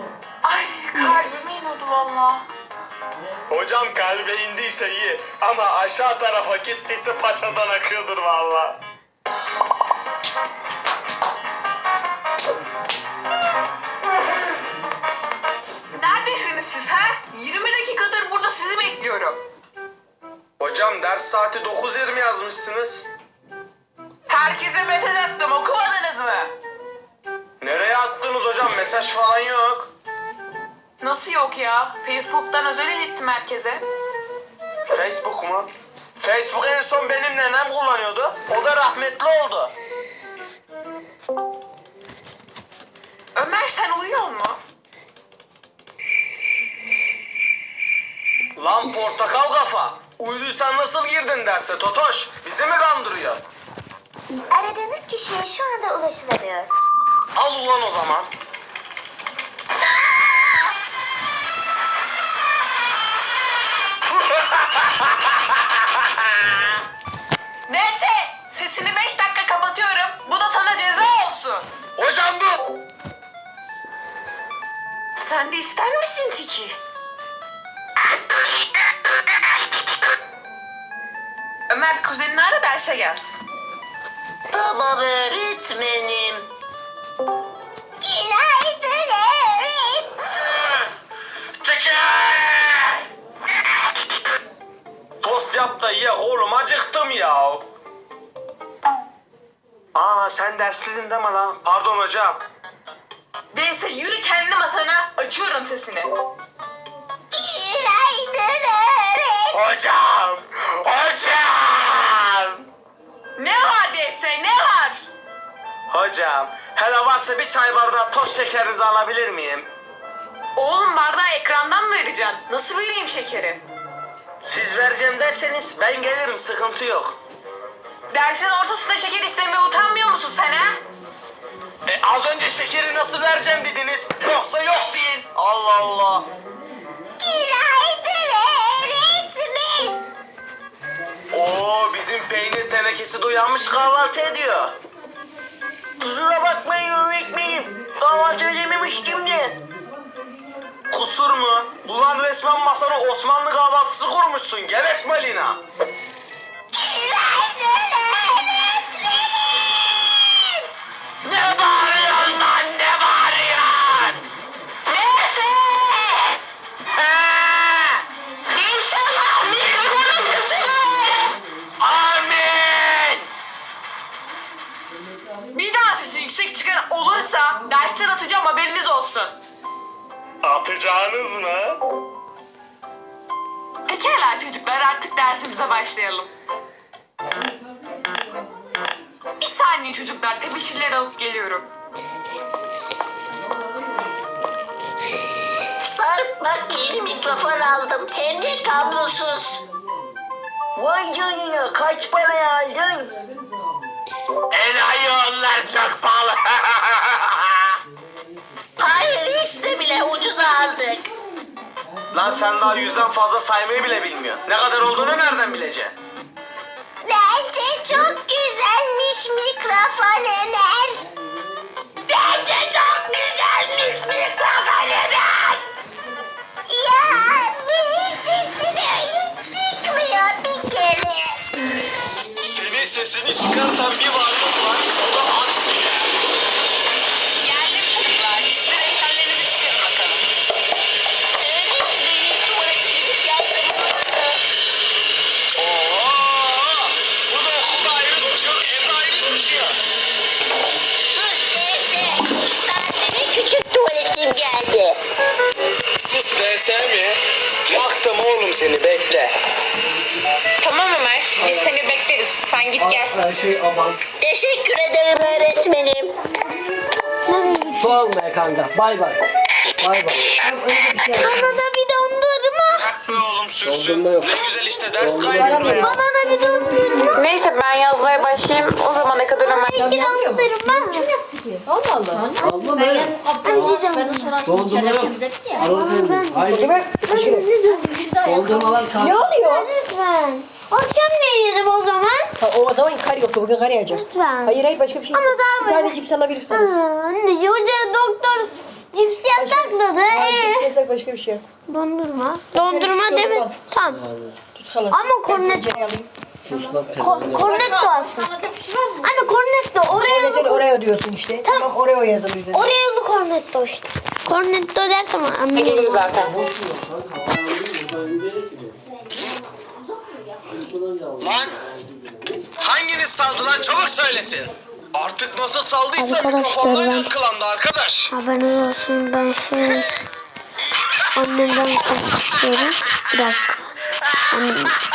Ay kalbime iniyordu valla. Hocam kalbe indiyse iyi ama aşağı tarafa gittiyse paçadan akıyordur valla. Neredesiniz siz ha? 20 dakikadır burada sizi bekliyorum. Hocam ders saati 9:20 yazmışsınız. Herkese mesaj attım, okumadınız mı? Nereye attınız hocam? Mesaj falan yok. Nasıl yok ya? Facebook'tan özel ilettim herkese. Facebook mu? Facebook en son benim nenem kullanıyordu. O da rahmetli oldu. Ömer sen uyuyor mu? Lan portakal kafa. Uyuduysan nasıl girdin derse Totoş? Bizi mi kandırıyor? Aradığınız kişiye şu anda ulaşılamıyor. Al ulan o zaman. Neyse sesini 5 dakika kapatıyorum. Bu da sana ceza olsun. Hocam bu. Sen de ister misin Tiki? Ömer kuzenini ara derse gelsin. Tamam öğretmenim. Günaydın öğretmenim. Tost yap da ye oğlum, acıktım ya. Aa sen dersliydin değil mi lan? Pardon hocam. Neyse yürü kendi masana, açıyorum sesini. Günaydın öğretmenim. Hocam! Hocam! Ne var dese ne var? Hocam, hele varsa bir çay bardağı toz şekerinizi alabilir miyim? Oğlum bardağı ekrandan mı vereceksin? Nasıl vereyim şekeri? Siz vereceğim derseniz ben gelirim, sıkıntı yok. Dersin ortasında şeker istemeye utanmıyor musun sen ha? Az önce şekeri nasıl vereceğim dediniz, yoksa yok deyin. Allah Allah. Günaydın öğretmenim. Oo, bizim peynir tenekesi de uyanmış, kahvaltı ediyor. Kusura bakmayın öğretmenim, kahvaltı edememiştim de. Kusur mu? Ulan resmen masana Osmanlı kahvaltısı kurmuşsun, geveş Malina. Günaydın öğretmenim. Ne bağırıyorsun lan, ne bağırıyorsun? Neyse! He! İnşallah mikrofonun kısılır! Amin! Bir daha sesi yüksek çıkan olursa dersten atacağım, haberiniz olsun. Atacağınız mı? Pekala çocuklar, artık dersimize başlayalım. Bir saniye çocuklar, tebeşirleri alıp geliyorum. Sarp bak yeni mikrofon aldım. Hem de kablosuz. Vay canına, kaç paraya aldın? Enayi onlar çok pahalı. Hayır hiç de bile ucuza aldık. Lan sen daha 100'den fazla saymayı bile bilmiyorsun. Ne kadar olduğunu nereden bileceksin? Bence çok güzelmiş mikrofon Ömer. Bence çok güzelmiş mikrofon Ömer. Ya benim sesim öyle çıkmıyor bir kere. Senin sesini çıkartan bir varlık var. O da Aksine. Geldim çocuklar, size defterlerinizi çıkarın bakalım. Öğretmenim tuvalete gidip gelsem olur mu? Oha! Bu da okulda ayrı tutuyor, evde ayrı tutuyor. Sus teyze. Saatine küçük tuvaletim geldi. Sus DS mi? Yaktım oğlum seni, bekle. Tamam Ömer, biz seni bekleriz. Sen git gel. Her şey aman. Teşekkür ederim öğretmenim. Su almaya kanka. Bay bay. Bay bay. Bana da bir dondurma. Bak be oğlum, sürsün. Dondurma yok. Ne güzel işte, ders kaydediyor ya. Bana da bir dondurma. Neyse ben yazmaya başlayayım. O zamana kadar Ömer... Bir dondurma. Allah Allah. Abla ben. Ben de sonra Dondurma yok. dedi ya. Aralık haydi bak. Dondurmalar kaldı. Ne oluyor? Lütfen. Akşam ne yiyelim o zaman? O zaman kar yoktu. Bugün kar yağacak. Lütfen. Hayır başka bir şey. Ama daha Bir tane cips alabilirsin. Anne hoca doktor Cips yasakladı. Cips yasak başka bir şey yok. Dondurma. Dondurma Küçük değil mi? yok. Tamam. Tut halas. Ama kornet. Tencereyi alayım. Cornetto alsın. Anne cornetto. Cornetto Oreo diyorsun işte. Tamam Oreo yazılı üzerine. Oreo'lu cornetto işte. Cornetto dersem Gelir anlıyorum. zaten. Lan hanginiz saldı lan çabuk söylesin. Artık nasıl saldıysa Arkadaşlar, mikrofondan ben- yankılandı arkadaş. Haberiniz olsun ben annemden kaçıyorum. Bir dakika. Annem.